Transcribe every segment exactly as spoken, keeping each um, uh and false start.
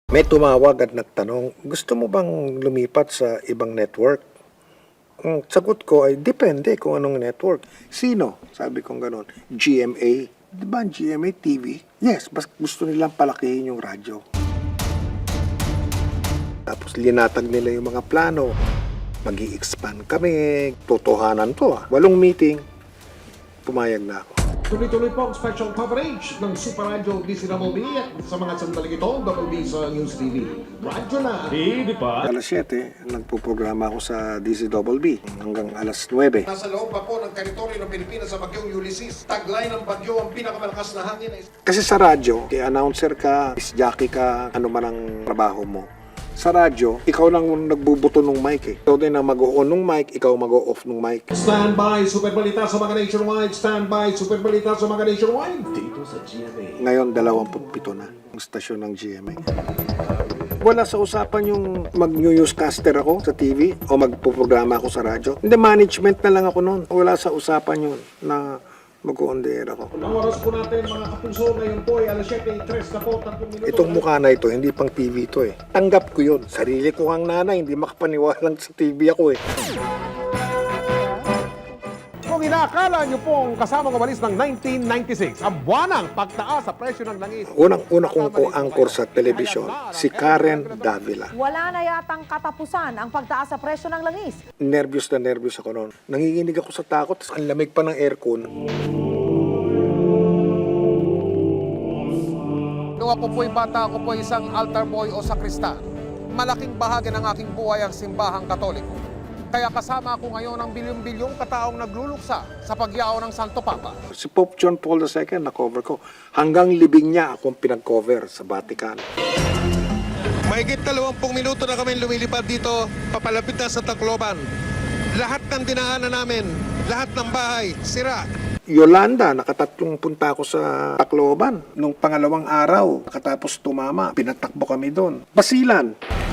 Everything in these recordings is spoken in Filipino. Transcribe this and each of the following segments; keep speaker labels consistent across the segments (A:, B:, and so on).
A: May tumawag at nagtanong, gusto mo bang lumipat sa ibang network? Ang sagot ko ay, depende kung anong network. Sino? Sabi kong ganon. G M A. Di ba ang G M A T V? Yes, bas gusto nilang palakihin yung radyo. Tapos linatag nila yung mga plano. Mag-i-expand kami. Totohanan to ah. Walong meeting, pumayag na ako.
B: Tuloy-tuloy po ang special coverage ng Super Radio D C Double B at sa mga sandaling ito, Double B sa News T V. Radyo na!
C: Hindi pa.
A: Alas siyete, nagpuprograma ako sa D C Double B hanggang alas nuwebe.
B: Nasa loob pa po ng teritoryo ng Pilipinas sa bagyong Ulysses. Taglay ng bagyo ang pinakamalakas na hangin ay...
A: Kasi sa radyo, announcer ka, jockey ka, ano man ang trabaho mo. Sa radyo, ikaw lang nagbubuto ng mic eh. Ikaw din ang mag-o-on ng mic, ikaw mag-o-off ng mic.
B: Stand by, Super Balita sa mga nationwide. Stand by, Super Balita sa mga nationwide.
C: Dito sa G M A.
A: Ngayon, dalawampu't pito na ang stasyon ng G M A. Wala sa usapan yung mag-newscaster ako sa T V o magpuprograma ako sa radyo. Hindi, management na lang ako noon. Wala sa usapan yun na mag-on the air ako.
B: Ang oras po natin mga kapuso ngayon po ay alas siyete tres na po, tatlong minuto.
A: Itong mukha na ito, hindi pang T V ito eh. Tanggap ko yun. Sarili ko ang nanay, hindi makapaniwalang sa T V ako eh.
B: Kung inaakala niyo pong kasamang umalis ng nineteen ninety-six, ang buwanang pagtaas sa presyo ng langis.
A: Unang-una kong ko-anchor sa telebisyon, si Karen Davila.
D: Wala na yatang katapusan ang pagtaas sa presyo ng langis.
A: Nervyos na nervyos ako noon. Nanginginig ako sa takot, ang lamig pa ng aircon.
E: Nung ako po'y bata, ako po'y isang altar boy o sakristan. Malaking bahagi ng aking buhay ang simbahang katoliko. Kaya kasama ako ngayon ang bilyong-bilyong kataong nagluluksa sa pagyao ng Santo Papa.
A: Si Pope John Paul the Second, na-cover ko. Hanggang libing niya akong pinag-cover sa Vatican.
F: Mahigit dalawampung minuto na kami lumilipad dito, papalapit na sa Tacloban. Lahat ng dinaanan namin, lahat ng bahay, sira.
A: Yolanda, nakatatlong punta ako sa Tacloban. Nung pangalawang araw, nakatapos tumama, pinatakbo kami doon. Basilan.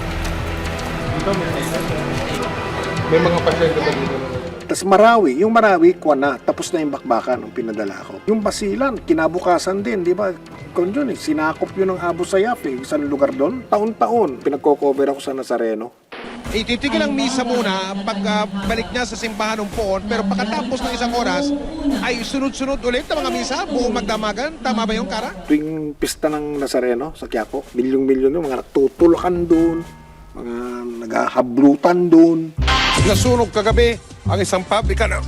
B: May mga pasyente ba dito?
A: Tapos Marawi, yung Marawi, kuha na, tapos na yung bakbakan nung pinadala ko. Yung Basilan, kinabukasan din, di ba? Kung yun eh, sinakop yun ng Abu Sayyaf eh, isang lugar doon. Taon-taon, pinagko-cover ako sa Nazareno.
F: Ititigil ang misa muna pag uh, balik niya sa simbahan ng Poon, pero pagkatapos ng isang oras, ay sunod-sunod ulit ang mga misa, buong magdamagan. Tama ba yung Kara?
A: Tuwing pista ng Nazareno sa Quiapo, milyong-milyon yung mga natutulakan doon, mga naghahablutan doon.
F: Nasunog kagabi ang isang pabrika na...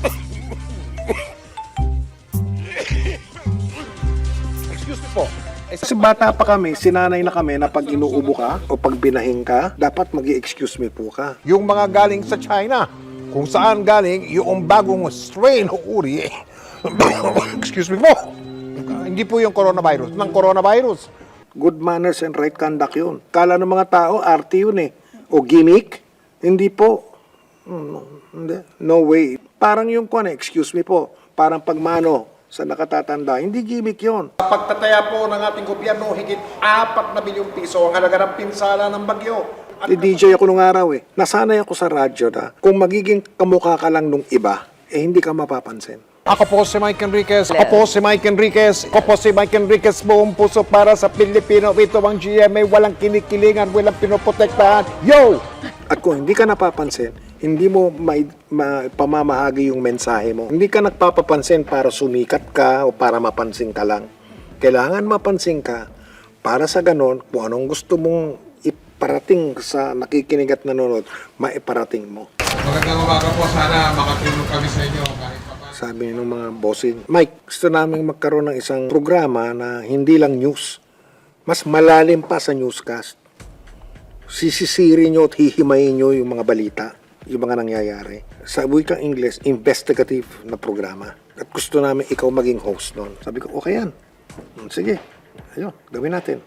F: Excuse me po.
A: Kasi bata pa kami, sinanay na kami na pag inuubo ka o pag binahing ka, dapat mag-i-excuse me po ka.
B: Yung mga galing sa China, kung saan galing yung bagong strain o uri. Excuse me po. Hindi po yung coronavirus, ng coronavirus.
A: Good manners and right conduct yun. Kala ng mga tao, arte yun eh. O gimmick. Hindi po. No, hindi. No way. Parang yung kwan, excuse me po. Parang pagmano sa nakatatanda. Hindi gimmick yun.
B: Pagtataya po ng ating gobyerno, higit apat na bilyong piso ang halaga ng pinsala ng bagyo. At
A: D J ako nung araw eh. Nasanay ako sa radyo na kung magiging kamukha ka lang nung iba, eh hindi ka mapapansin.
B: ako po si Mike Enriquez. Ako po si Mike Enriquez. Ako po si Mike Enriquez. Buong puso para sa Pilipino. Ito ang G M A. Walang kinikilingan, walang pinoprotektahan. Yo!
A: At kung hindi ka napapansin, hindi mo may, ma, pamamahagi yung mensahe mo. Hindi ka nagpapapansin para sumikat ka o para mapansin ka lang. Kailangan mapansin ka para sa ganon, kung anong gusto mong iparating sa nakikinig at nanonood, maiparating mo.
F: Magandang umaga po. Sana makatulong kami sa inyo kahit pa.
A: Sabi ng mga bossing, Mike, gusto namin magkaroon ng isang programa na hindi lang news. Mas malalim pa sa newscast. Sisisirin nyo at hihimayin nyo yung mga balita, yung mga nangyayari. Sa wikang English, investigative na programa. At gusto namin ikaw maging host nun. Sabi ko, okay yan. Sige, ayun, gawin natin.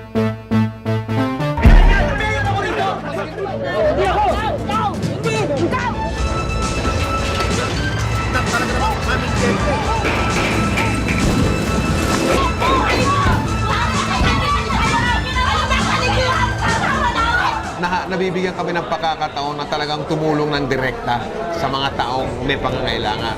E: Na, nabibigyan kami ng pagkakataon na talagang tumulong ng direkta sa mga taong may pangangailangan.